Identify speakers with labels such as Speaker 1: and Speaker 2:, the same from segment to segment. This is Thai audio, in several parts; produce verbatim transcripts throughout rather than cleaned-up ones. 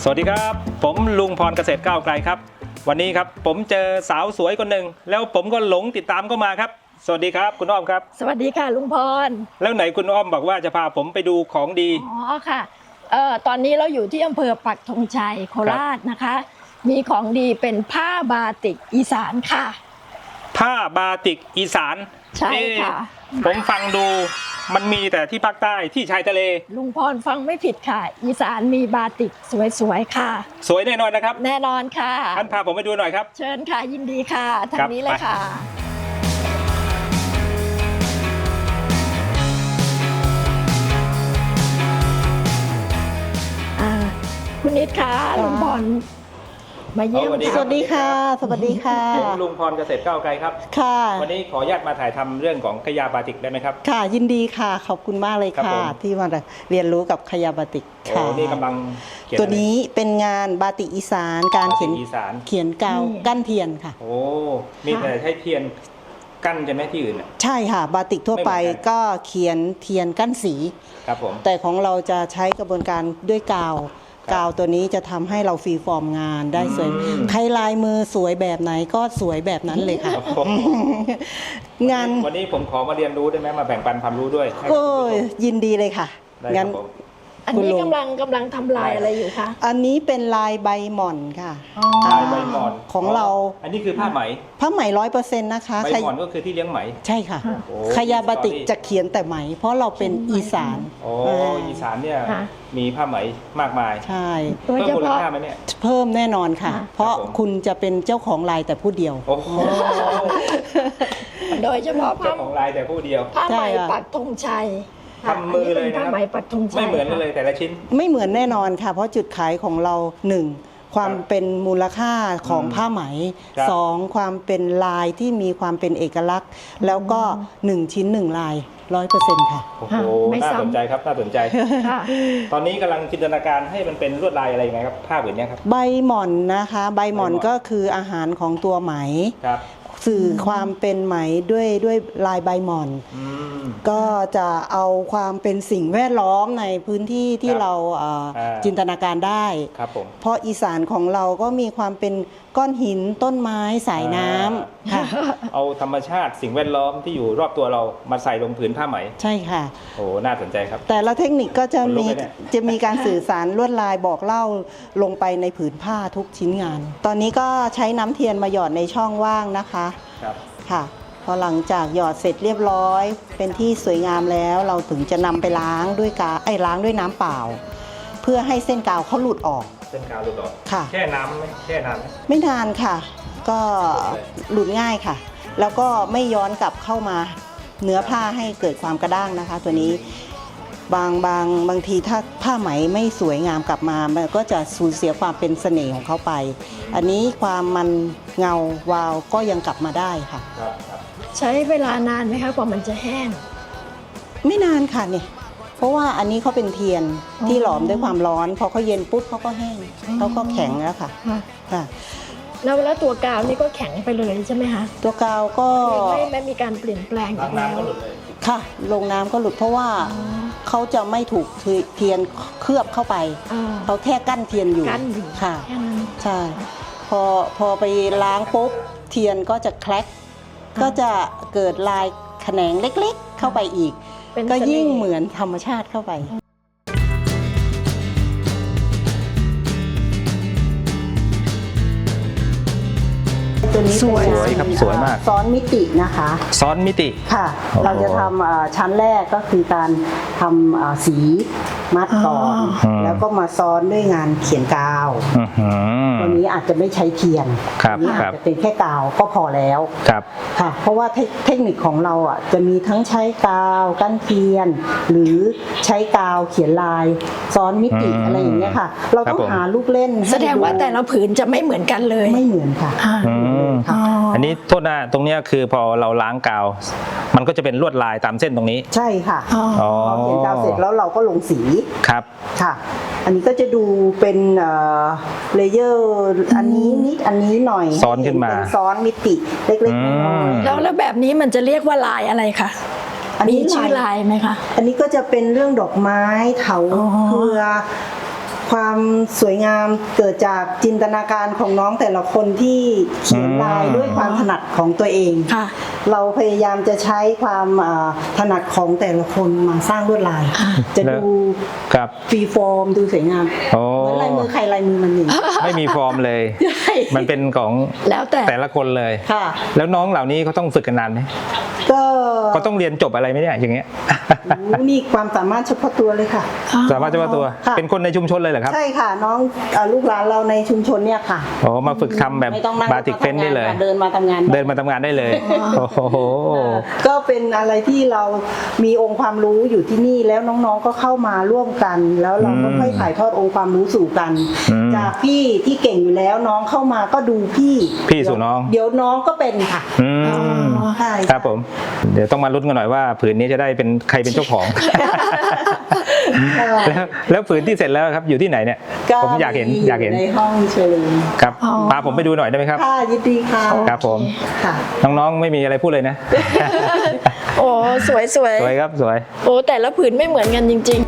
Speaker 1: สวัสดีครับผมลุงพรเกษตรก้าวไกลครับวันนี้ครับผมเจอสาวสวยคนหนึ่งแล้วผมก็หลงติดตามเข้ามาครับสวัสดีครับคุณอ้อมครับ
Speaker 2: สวัสดีค่ะลุงพร
Speaker 1: แล้วไหนคุณอ้อมบอกว่าจะพาผมไปดูของดี
Speaker 2: อ๋อค่ะเอ่อตอนนี้เราอยู่ที่อำเภอปักธงชัยโคราชนะคะมีของดีเป็นผ้าบาติกอีสานค่ะ
Speaker 1: ผ้าบาติกอีสาน
Speaker 2: ใช่ค่ะ
Speaker 1: ผมฟังดูมันมีแต่ที่ภาคใต้ที่ชายทะเล
Speaker 2: ลุงพรฟังไม่ผิดค่ะอีสานมีบาติกสวยๆค่ะ
Speaker 1: สวยแน่นอนนะครับ
Speaker 2: แน่นอนค่ะ
Speaker 1: ท่านพาผมไปดูหน่อยครับ
Speaker 2: เชิญค่ะยินดีค่ะทางนี้เลยค่ะคุณนิดค่ะลุงพรมาเยี่ยม
Speaker 3: สวัสดีค่ะสวัสดีค่ะ
Speaker 1: ผมลุงพรเกษตรก้าวไกลครับ
Speaker 3: ค่ะ
Speaker 1: วันนี้ขออนุญาตมาถ่ายทำเรื่องของขยาบาติกได้ไหมครับ
Speaker 3: ค่ะยินดีค่ะขอบคุณมากเลยค่ะที่มาเรียนรู้กับขยาบาติกค่ะ
Speaker 1: นี่กำลัง
Speaker 3: ตัวนี้เป็นงานบาติกอีสานการเขียนเขียนกาวกั้นเทียนค่ะ
Speaker 1: โอ้มีแต่ใช้เทียนกั้นใช่ไหมที่อื่น
Speaker 3: ใช่ค่ะบาติกทั่วไปก็เขียนเทียนกั้นสี
Speaker 1: ครับผม
Speaker 3: แต่ของเราจะใช้กระบวนการด้วยกาวกาวตัวนี้จะทำให้เราฟรีฟอร์มงานได้สวยใครลายมือสวยแบบไหนก็สวยแบบนั้นเลยค่ะงาน
Speaker 1: วันนี้ผมขอมาเรียนรู้ได้ไหมมาแบ่งปันความรู้ด้วย
Speaker 3: ก็ยินดีเลยค่ะ
Speaker 1: งั้น
Speaker 2: อันนี้กำลังกำลังทำลายอะไรอยู่คะ
Speaker 3: อันนี้เป็นลายใบหม่อนค่ะ
Speaker 1: ลายใบหม่อน
Speaker 3: ของเรา
Speaker 1: อันนี้คือผ้าไหม
Speaker 3: ผ้าไหมร้อยเปอร์เซ็นต์นะคะ
Speaker 1: ใบหม่อนก็คือที่เลี้ยงไหม
Speaker 3: ใช่ค่ะขยาบาติกจะเขียนแต่ไหมเพราะเราเป็นอีสาน
Speaker 1: โอ้อีสานเนี่ยมีผ้าไหมมากมาย
Speaker 3: ใช่
Speaker 1: เพิ่มมูลค่าไหมเนี่ย
Speaker 3: เพิ่มแน่นอนค่ะเพราะคุณจะเป็นเจ้าของลายแต่ผู้เดียว
Speaker 2: โดยเฉพาะ
Speaker 1: เจ้าของลายแต่ผู้เดียว
Speaker 2: ผ้าไหมปักธงชัย
Speaker 1: ทำมือเลยนะครับไม่เหมือนเลยแต่ละชิ้น
Speaker 3: ไม่เหมือนแน่นอนค่ะเพราะจุดขายของเราหนึ่งความเป็นมูลค่าของผ้าไหมสองความเป็นลายที่มีความเป็นเอกลักษณ์แล้วก็หนึ่งชิ้นหนึ่งลายร้อยเปอร์เซ็นต์ค่ะ
Speaker 1: โอ้โหน่าสนใจครับน่าสนใจตอนนี้กำลังจินตนาการให้มันเป็นลวดลายอะไรยังไงครับผ้าแบบนี้ครับ
Speaker 3: ใบหม่อนนะคะใบหม่อนก็คืออาหารของตัวไหมสื่อความเป็นไหมด้วยด้วยลายใบหม่อนก็จะเอาความเป็นสิ่งแวดล้อมในพื้นที่ที่เราจินตนาการได้เพราะอีสานของเราก็มีความเป็นก้อนหินต้นไม้สายน้ำค่ะ
Speaker 1: เอาธรรมชาติสิ่งแวดล้อมที่อยู่รอบตัวเรามาใส่ลงผืนผ้าไหม
Speaker 3: ใช่ค่ะ
Speaker 1: โอ้น่าสนใจครับ
Speaker 3: แต่ละเทคนิคก็จะมีจะมีการสื่อสารลวดลายบอกเล่าลงไปในผืนผ้าทุกชิ้นงานตอนนี้ก็ใช้น้ำเทียนมาหยอดในช่องว่างนะคะ
Speaker 1: ครับ
Speaker 3: ค่ะพอหลังจากหยอดเสร็จเรียบร้อยเป็นที่สวยงามแล้วเราถึงจะนำไปล้างด้วยกาไอ้ล้างด้วยน้ำเปล่าเพื่อให้เส้นกาวเขาหลุดออก
Speaker 1: เส้นกาวหลุดออก
Speaker 3: ค่ะ
Speaker 1: แช่น้ำไหมแช่นานไหม
Speaker 3: ไม่นานค่ะก็หลุดง่ายค่ะแล้วก็ไม่ย้อนกลับเข้ามาเนื้อผ้าให้เกิดความกระด้างนะคะตัวนี้บางบางบางทีถ้าผ้าไหมไม่สวยงามกลับมามันก็จะสูญเสียความเป็นเสน่ห์ของเขาไปอันนี้ความมันเงาวาวก็ยังกลับมาได้ค่ะ
Speaker 2: ใช้เวลานานไหมคะกว่ามันจะแห้ง
Speaker 3: ไม่นานค่ะเนี่ยเพราะว่าอันนี้เขาเป็นเทียนที่หลอมด้วยความร้อนพอเขาเย็นปุ๊บเขาก็แห้งเขาก็แข็งแล้วค่ะค่ะ
Speaker 2: แล้วแล้วตัวกาวนี่ก็แข็งไปเลยใช่ไหมคะ
Speaker 3: ตัวกาวก็
Speaker 2: ไม่ไม่มีการเปลี่ยนแปลงอีกแล้ว
Speaker 3: ค่ะลงน้ำก็หลุดเพราะว่าเขาจะไม่ถูกเทียนเคลือบเข้าไปเขาแค่กั้นเทียนอยู่ค่ะใช่พอพอไปล้างปุ๊บเทียนก็จะแคลกก็จะเกิดลายแขนงเล็กๆเข้าไปอีกก็ยิ่งเหมือนธรรมชาติเข้าไปตัวนี้
Speaker 1: สวยครับสวยมาก
Speaker 3: ซ้อนมิตินะคะ
Speaker 1: ซ้อนมิติ
Speaker 3: ค่ะเราจะทำชั้นแรกก็คือการทำสีมัดก่อนแล้วก็มาซ้อนด้วยงานเขียนกาวตัวนี้อาจจะไม่ใช้เทียนตัวนี้อาจจะเป็นแค่กาวก็พอแล้วค่ะเพราะว่าเทคนิคของเราอ่ะจะมีทั้งใช้กาวกั้นเทียนหรือใช้กาวเขียนลายซ้อนมิติอะไรอย่างเงี้ยค่ะเราต้องหาลูกเล่น
Speaker 2: แสดงว่าแต่ละผืนจะไม่เหมือนกันเลย
Speaker 3: ไม่เหมือนค่ะ
Speaker 1: อันนี้โทษนะตรงนี้คือพอเราล้างกาวมันก็จะเป็นลวดลายตามเส้นตรงนี้
Speaker 3: ใช่ค่ะพอเขียนกาวเสร็จแล้วเราก็ลงสี
Speaker 1: ครับ
Speaker 3: ค่ะอันนี้ก็จะดูเป็นเลเยอร์อันนี้นิดอันนี้หน่อย
Speaker 1: ซ้อนขึ้นมา
Speaker 3: เป็นซ้อนมิติเล็กๆน้อย
Speaker 2: ๆแล้วแล้วแบบนี้มันจะเรียกว่าลายอะไรคะมีชื่อลายไหมคะ
Speaker 3: อันนี้ก็จะเป็นเรื่องดอกไม้เถาเครือคความสวยงามเกิดจากจินตนาการของน้องแต่ละคนที่เขียนลายด้วยความถนัดของตัวเอง
Speaker 2: ค่ะ
Speaker 3: เราพยายามจะใช้ความอ่าถนัดของแต่ละคนมาสร้างลวดลาย จะดู
Speaker 1: ครับ
Speaker 3: ฟรีฟอร์มดูสวยงาม
Speaker 1: โอ้
Speaker 3: เหมือนลายมือใครลายมือมันหนึ่ง
Speaker 1: ไม่มีฟอร์มเลย
Speaker 3: ใช่
Speaker 1: มันเป็นของ
Speaker 2: แล้วแต่
Speaker 1: แต่ละคนเลย
Speaker 3: ค่ะ
Speaker 1: แล้วน้องเหล่านี้เขาต้องฝึกกันนานไหม
Speaker 3: ก็
Speaker 1: เขาต้องเรียนจบอะไรไหมเนี่ยอย่างเงี้ย
Speaker 3: โอ้นี่ความสามารถเฉพาะตัวเลยค่ะ
Speaker 1: สามารถจะว่าตัว
Speaker 3: ค่ะ
Speaker 1: เป็นคนในชุมชนเลยเหรอครับ
Speaker 3: ใช่ค่ะน้องเอ่อลูกหลานเราในชุมชนเนี่ยค่ะ
Speaker 1: โอ้มาฝึกทำแบบ
Speaker 3: ไม่ต้องนั่ง
Speaker 1: บาติกเฟ้นได้เลย
Speaker 3: เดินมาทำงาน
Speaker 1: เดินมาทำงานได้เลย โอ้โห
Speaker 3: ก็เป็นอะไรที่เรามีองค์ความรู้อยู่ที่นี่แล้วน้องๆก็เข้ามาร่วมกัน แล้วเราก็
Speaker 1: อืม
Speaker 3: ค่อยถ่ายทอดองค์ความรู้สู่กัน
Speaker 1: อืม
Speaker 3: จากพี่ที่เก่งอยู่แล้วน้องเข้ามาก็ดูพี่
Speaker 1: พี่สู่น้อง
Speaker 3: เดี๋ยวน้องก็เป็นค่ะ
Speaker 1: อืม
Speaker 3: ใช่
Speaker 1: ครับผม เดี๋ยวต้องมาลุ้นกันหน่อยว่าผืนนี้จะได้เป็นใครเป็นเจ้าของ แล้วแล้วผืนที่เสร็จแล้วครับอยู่ที่ไหนเนี่ย ผมอยากเห็นอยากเห็น
Speaker 3: ในห้องเชิญ
Speaker 1: ครับ
Speaker 2: อ๋อ
Speaker 1: พาผมไปดูหน่อยได้ไหมครับ
Speaker 3: ค่ะยินดีค่ะ
Speaker 1: ครับผม
Speaker 3: ค่ะ
Speaker 1: น้องๆไม่มีอะไรพูดเลยนะ
Speaker 2: โอ้สวยสวย
Speaker 1: สวยครับสวย
Speaker 2: โอ้แต่ละผืนไม่เหมือนกันจริง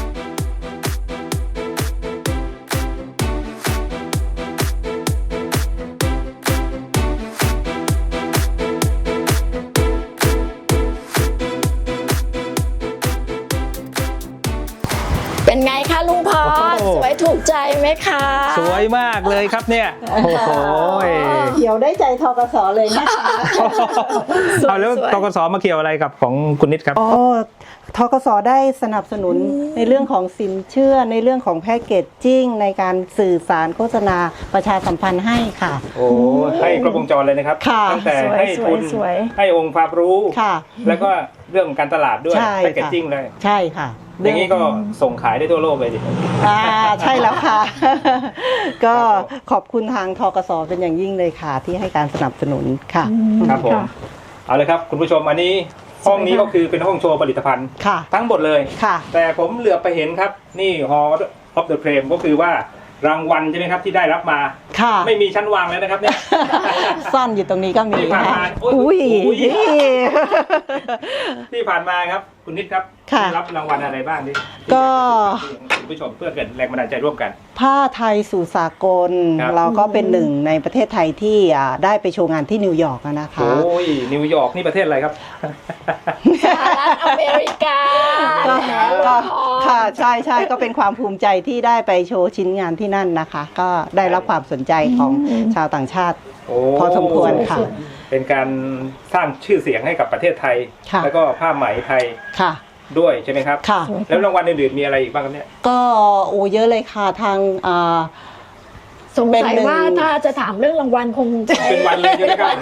Speaker 2: ๆ เป็นไงคะลุงพร
Speaker 1: โอ้โห
Speaker 2: สวยถูกใจไหมคะ
Speaker 1: สวยมากเลยครับเนี่ยโอ้โห
Speaker 3: เขียวได้ใจทกสเลยนะคะ
Speaker 1: เอาแล้วตกสมาเกี่ยวอะไรกับของคุณนิดครับ
Speaker 3: อ๋อทกสได้สนับสนุนในเรื่องของสินเชื่อในเรื่องของแพ็กเกจจิ้งในการสื่อสารโฆษณาประชาสัมพันธ์ให้ค่ะ
Speaker 1: โอ้ให้ครบวงจรเลยนะครับ
Speaker 3: ค่ะ
Speaker 1: ตั้งแต่
Speaker 2: สวย
Speaker 1: ให้
Speaker 2: สว
Speaker 1: ทุ
Speaker 2: ย
Speaker 1: น
Speaker 2: สวย
Speaker 1: ให้องค์ความรู้
Speaker 3: ค่ะ
Speaker 1: แล้วก็เรื่องการตลาดด้วย
Speaker 3: ใช่
Speaker 1: แพคเกจ
Speaker 3: ค่ะ
Speaker 1: จิ้งเลย
Speaker 3: ใช่ค่ะ
Speaker 1: อย่างนี้ก็ส่งขายได้ทั่วโลกเลยดิ
Speaker 3: อ่าใช่แล้วค่ะ ก็
Speaker 1: ครับผม
Speaker 3: ขอบคุณทางทกสเป็นอย่างยิ่งเลยค่ะ ที่ให้การสนับสนุนค่ะ
Speaker 1: ครับผม เอาเลยครับคุณผู้ชมอันนี้ห้องนี้ก็คือเป็นห้องโชว์ผลิตภัณฑ์
Speaker 3: ค่ะ
Speaker 1: ทั้งหมดเลย
Speaker 3: ค่ะ
Speaker 1: แต่ผมเหลือบไปเห็นครับ นี่ Hall of the Frame ก็คือว่ารางวัลใช่ไหมครับที่ได้รับมา
Speaker 3: ค่ะ
Speaker 1: ไม่มีชั้นวางแล้วนะครับเนี่ย
Speaker 3: ซ่อนอยู่ตรงนี้ก็มี
Speaker 1: ที่ผ่านมา
Speaker 3: ค่ะ
Speaker 1: โอ้ย
Speaker 3: อุ้ย
Speaker 1: อุ้ย ที่ผ่านมาครับคุณนิดครับ
Speaker 3: ค่ะ
Speaker 1: ได้รับรางวัลอะไรบ้างนี่
Speaker 3: ก็
Speaker 1: คุณผู้ชมเพื่อเกิดแรงบันดาลใจร่วมกัน
Speaker 3: ผ้าไทยสู่สากล
Speaker 1: ครับ
Speaker 3: เราก็เป็นหนึ่งในประเทศไทยที่อ่าได้ไปโชว์งานที่นิวยอร์กอะนะคะ
Speaker 1: โอ้ยนิวยอร์กนี่ประเทศอะไรครับ
Speaker 2: สหรัฐอเมริกา
Speaker 3: ก็
Speaker 2: แล้ว
Speaker 3: ก็
Speaker 2: พร
Speaker 3: ค่ะใช่ใช่ก็เป็นความภูมิใจที่ได้ไปโชว์ชิ้นงานที่นั่นนะคะ ก็ได้รับความสนใจของชาวต่างชาติ
Speaker 1: โอ้
Speaker 3: พอสมควรค่ะ
Speaker 1: เป็นการสร้างชื่อเสียงให้กับประเทศไทย
Speaker 3: ค่ะ
Speaker 1: แล้วก็ผ้าไหมไทย
Speaker 3: ค่ะ
Speaker 1: ด้วยใช่ไหมครับ
Speaker 3: ค่ะ
Speaker 1: แล้วรางวัลอื่นๆมีอะไรอีกบ้างครับเนี่ย
Speaker 3: ก็โอ้เยอะเลยค่ะทางอ่า
Speaker 2: สงสัย
Speaker 3: เป็นหนึ่ง
Speaker 2: ว่าถ้าจะถามเรื่องรางวัลคงจะ
Speaker 1: เป็นวันเลยใช่ไหมครับ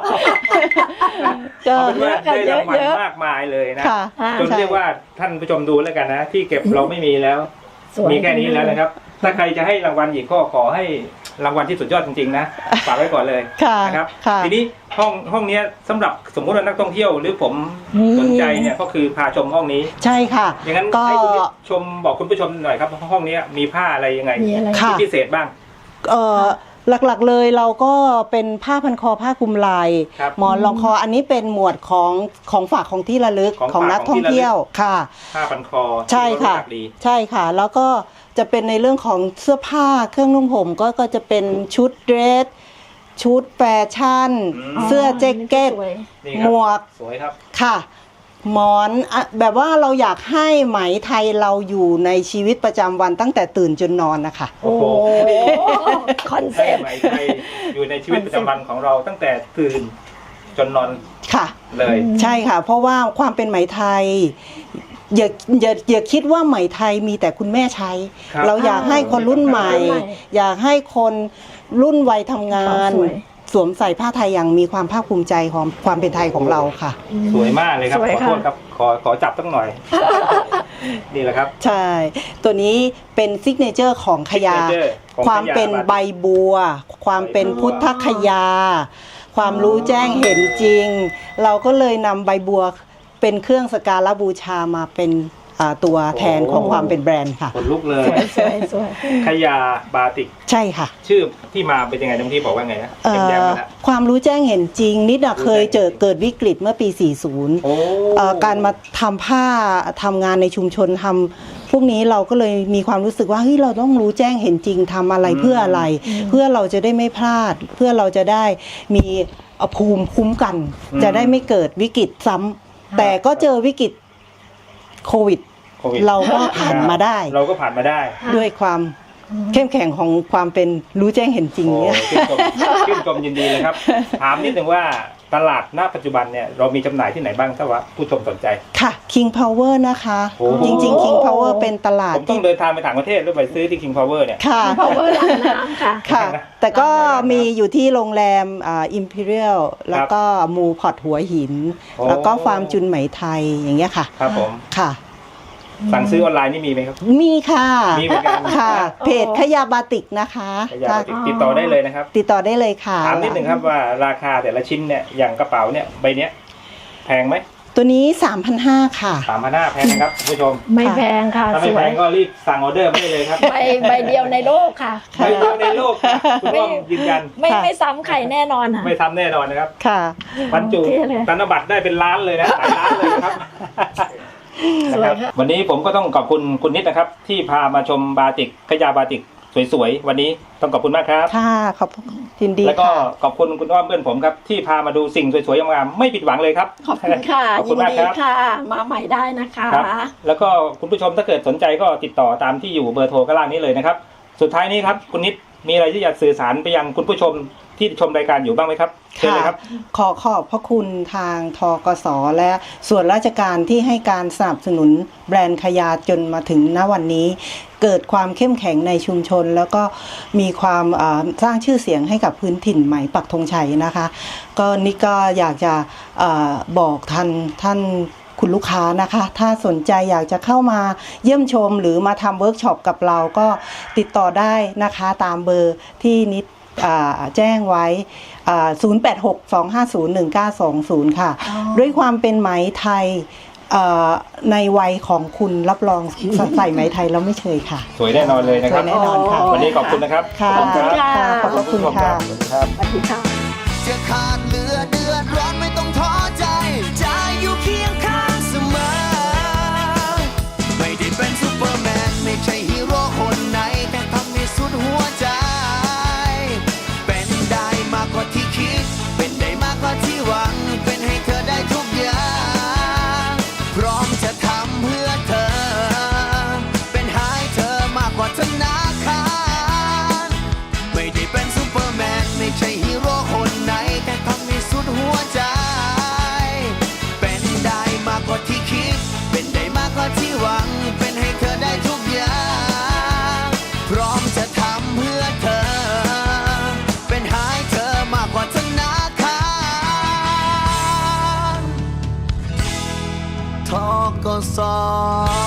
Speaker 3: ก็
Speaker 1: เอาเป็นว่าได้รางวัล
Speaker 2: เยอะๆ
Speaker 1: มากมายเลยนะ
Speaker 3: ค่ะ
Speaker 1: จนเรียกว่าท่านผู้ชมดูแล้วกันนะ ที่เก็บเราไม่มีแล้ว
Speaker 2: สวย
Speaker 1: มีแค่นี้แล้วนะครับ ถ้าใครจะให้รางวัลอีกก็ขอให้รางวัลที่สุดยอดจริงๆนะฝากไว้ก่อนเลย
Speaker 3: ค่ะ
Speaker 1: นะครับ
Speaker 3: ค่ะ
Speaker 1: ทีนี้ห้องห้องเนี้ยสำหรับสมมุติว่านักท่องเที่ยวหรือผมสนใจเนี่ยก็คือพาชมห้องนี้
Speaker 3: ใช่ค่ะ
Speaker 1: อย่างนั้น
Speaker 3: ก็
Speaker 1: ให้คุณผู้ชมบอกคุณผู้ชมหน่อยครับห้องเนี้ยมีผ้าอะไรยังไง
Speaker 2: มีอะไร
Speaker 3: ค่ะ
Speaker 1: ที่พิเศษบ้าง
Speaker 3: เอ่อหลักๆเลยเราก็เป็นผ้าพันคอผ้าคลุมไหล่
Speaker 1: ครับ
Speaker 3: หมอนรองคออันนี้เป็นหมวดของของฝากของที่ระลึก
Speaker 1: ของฝาก
Speaker 3: ของนักท่องเที่ยวค่ะ
Speaker 1: ผ้าพันคอ
Speaker 3: ใช่ค่ะ
Speaker 1: ที่เรารู้จักดี
Speaker 3: ใช่ค่ะ แล้วก็จะเป็นในเรื่องของเสื้อผ้าเครื่องนุ่งห่มก็ก็จะเป็นชุดเดรส ชุดแฟชั่น
Speaker 1: อืม
Speaker 3: เสื้อแจ็คเก็ต
Speaker 2: สวย
Speaker 1: นี่
Speaker 3: ห
Speaker 1: ค
Speaker 3: ม
Speaker 1: รับ
Speaker 3: วก
Speaker 1: สวยครับ
Speaker 3: ค่ะ หมอนอะแบบว่าเราอยากให้ไหมไทยเราอยู่ในชีวิตประจำวันตั้งแต่ตื่นจนนอนนะคะ
Speaker 1: โอ้โห
Speaker 2: คอนเซ็
Speaker 1: ให้
Speaker 2: ปต์
Speaker 1: ไหมไทยอยู่ในชีวิตประจำวันของเราตั้งแต่ตื่นจนนอน
Speaker 3: ค่ะ
Speaker 1: เลย
Speaker 3: ใช่ค่ะ เพราะว่าความเป็นไหมไทยอย่าอย่าอย่าคิดว่าไหมไทยมีแต่คุณแม่ใช้
Speaker 1: ครับ
Speaker 3: เราอยากให้คนรุ่นใหม่
Speaker 2: รุ่นใหม่
Speaker 3: อยากให้คนรุ่นวัยทำงาน
Speaker 2: สวย
Speaker 3: สวมใส่ผ้าไทยอย่างมีความภาคภูมิใจของความเป็นไทยของเราค่ะ
Speaker 1: สวยมากเลยครับ
Speaker 2: สวย
Speaker 1: ขอ
Speaker 2: ค่ะ
Speaker 1: โทษครับ ขอขอจับตั้งหน่อย นี่แหละครับ
Speaker 3: ใช่ ตัวนี้เป็นซิกเนเจอร์ของขยา
Speaker 1: signature ของ
Speaker 3: ความเป็น
Speaker 1: ขยา
Speaker 3: ใบบัว ความเป็นพุทธคยา ความรู้แจ้งเห็นจริง เราก็เลยนำใบบัวเป็นเครื่องสกการะบูชามาเป็นอ่าตัวแทนของความเป็นแบรนด์ค่ะ
Speaker 1: ขนลุกเลย
Speaker 2: สวยสวย
Speaker 1: ขยาบาติก
Speaker 3: ใช่ค่ะ
Speaker 1: ชื่อที่มาเป็นยังไงน้องที่บอกว่าไงนะ
Speaker 3: เอ่
Speaker 1: แย้ม
Speaker 3: อ
Speaker 1: ๆมาแล้ว
Speaker 3: ความรู้แจ้งเห็นจริง นิดอะเคยเจอเกิดวิกฤตเมื่อปี สี่สิบ
Speaker 1: โอ้
Speaker 3: เอ่อการมาทำผ้าทำงานในชุมชนทำพวกนี้เราก็เลยมีความรู้สึกว่าเฮ้ยเราต้องรู้แจ้งเห็นจริงทำอะไรเพื่ออะไร เพื่อเราจะได้ไม่พลาด เพื่อเราจะได้มีภูมิคุ้มกัน จะได้ไม่เกิดวิกฤตซ้ำแต่ก็เจอวิกฤตโควิด
Speaker 1: โควิด
Speaker 3: เราก็ผ่านมาได้
Speaker 1: เราก็ผ่านมาได้
Speaker 3: ด้วยความเข้มแข็งของความเป็นรู้แจ้งเห็นจริง
Speaker 1: โอ้
Speaker 3: เนี่ย
Speaker 1: ชื่นชมชื่นชมยินดีเลยครับ ถามนิดนึงว่าตลาดณปัจจุบันเนี่ยเรามีจำหน่ายที่ไหนบ้างถ้าว่าผู้ชมสนใจ
Speaker 3: ค่ะ King Power นะคะ
Speaker 1: โอ้โห
Speaker 3: จริงๆ King Power เป็นตลาด
Speaker 1: ผมต้องเดินทางไปต่างประเทศหรือไปซื้อที่ King Power เนี่ย
Speaker 3: ค่ะ
Speaker 2: พาวเวอร์ร้านน้ำค่ะ
Speaker 3: ค่ะ
Speaker 1: นะ
Speaker 3: แต่ก็มีอยู่ที่โรงแรมอ่า Imperial แล้วก็มูพอร์ตหัวหิน
Speaker 1: โอ้
Speaker 3: แล้วก็ฟาร์มจุนไหมไทยอย่างเงี้ยค่ะ
Speaker 1: ครับผม
Speaker 3: ค่ะ
Speaker 1: สั่งซื้อออนไลน์นี่มีไหมครับ
Speaker 3: มีค่ะ
Speaker 1: มีเหมือนกัน
Speaker 3: ค่ะ
Speaker 2: โอ้
Speaker 3: เพจขยาบาติกนะคะ
Speaker 1: อยาก
Speaker 3: ถ้า
Speaker 1: ติดติดต่อได้เลยนะครับ
Speaker 3: ติดต่อได้เลยค่ะ
Speaker 1: ถามนิดหนึ่งครับว่าราคาแต่ละชิ้นเนี่ยอย่างกระเป๋าเนี่ยใบเนี้ยแพงไหม
Speaker 3: ตัวนี้ สามพันห้าร้อย ค่ะ
Speaker 1: สามพันห้าแพงไหมครับคุณผู้ชม
Speaker 2: ไม่แพงค่ะ
Speaker 1: ถ้า
Speaker 2: ส
Speaker 1: ไม่
Speaker 2: ว
Speaker 1: แพ
Speaker 2: ย
Speaker 1: งก็รีบสั่งออเดอร์ไม่ได้เลยครับ
Speaker 2: ใบใบเดียวในโลกค่ะ
Speaker 1: ใบเดียวในโลกนะคุณอ้อมยืนยัน
Speaker 2: ไม่
Speaker 3: ค่ะ
Speaker 2: ไม่ซ้ำใครแน่นอนค่ะ
Speaker 1: ไม่ทำแน่นอนนะครับ
Speaker 3: ค่ะ
Speaker 1: บรรจุ
Speaker 2: โอเคเลย
Speaker 1: ธนบัตรได้เป็นล้านเลยนะหลายล้านเลยนะครับ
Speaker 2: สวย
Speaker 1: นะครับ
Speaker 2: ค่ะ
Speaker 1: วันนี้ผมก็ต้องขอบคุณคุณนิดนะครับ ที่พามาชมบาติกขยาบาติกสวยๆวันนี้ต้องขอบคุณมากครับ
Speaker 3: ค่ะ ขอบยินดี
Speaker 1: แล้วก็
Speaker 3: ค่ะ
Speaker 1: ขอบคุณคุณอ้อมเพื่อนผมครับที่พามาดูสิ่งสวยๆงามๆไม่ผิดหวังเลยครับ
Speaker 2: ขอบคุณค่ะ
Speaker 1: ขอบ
Speaker 2: ยิ
Speaker 1: คุณ
Speaker 2: น
Speaker 1: มาก
Speaker 2: ดี
Speaker 1: ครับ
Speaker 2: ค่ะ มาใหม่ได้นะคะ
Speaker 1: ครับแล้วก็คุณผู้ชมถ้าเกิดสนใจก็ติดต่อตามที่อยู่เบอร์โทรข้างล่างนี้เลยนะครับ สุดท้ายนี้ครับคุณนิดมีอะไรที่อยากสื่อสารไปยังคุณผู้ชมที่ชมรายการอยู่บ้างไหมครับเชิญเลยครับ
Speaker 3: ขอขอบพระคุณทางทกสและส่วนราชการที่ให้การสนับสนุนแบรนด์ขยาจนมาถึงณวันนี้ เกิดความเข้มแข็งในชุมชน แล้วก็มีความอ่าสร้างชื่อเสียงให้กับพื้นถิ่นไหมปักธงชัยนะคะ ก็นี่ก็อยากจะอาบอกท่านท่านคุณลูกค้านะคะ ถ้าสนใจอยากจะเข้ามาเยี่ยมชมหรือมาทำเวิร์กช็อปกับเราก็ติดต่อได้นะคะตามเบอร์ที่นิดอ่าแจ้งไว้อ่าศูนย์ แปด หก สอง ห้า ศูนย์ หนึ่ง เก้า สอง ศูนย์ ค่ะ
Speaker 2: อ๋อ
Speaker 3: ด้วยความเป็นไหมไทยอ่าในวัยของคุณรับรองใส่ไหมไทยแล้วไม่เชยค่ะ
Speaker 1: สวยแน่นอนเลยนะ
Speaker 3: ส
Speaker 1: ครั
Speaker 3: ว
Speaker 1: บ
Speaker 3: ยแน่นอนค่ะ
Speaker 1: วันนี้ขอบคุณนะครับ
Speaker 3: ค่ะ
Speaker 1: ขอบคุณครับ
Speaker 3: ค่ะขอบพระคุณค่ะ
Speaker 1: สวัสดีครับ
Speaker 2: สวัสดีค่ะ
Speaker 4: จะขาดเหลือเดือดร้อนไม่ต้องท้อใจ จะอยู่เคียงข้างเสมอ ไม่ได้เป็นซูเปอร์แมน ไม่ใช่ฮีโร่คนไหน แต่ทำให้สุดหัวใจ เป็นได้มากกว่าที่คิด เป็นได้มากกว่าที่หวัง เป็นให้เธอได้ทุกอย่าง พร้อมจะทำเพื่อเธอ เป็นหายเธอมากกว่าธนาคาร ไม่ได้เป็นซูเปอร์แมน ไม่ใช่ฮีโร่คนไหน แต่ทำให้สุดหัวใจ เป็นได้มากกว่าที่คิด เป็นได้มากกว่าที่หวัง เป็นให้เธอได้ทุกอย่าง พร้อมจะทำเพื่อเธอ เป็นหายเธอมากกว่าธนาคารทกส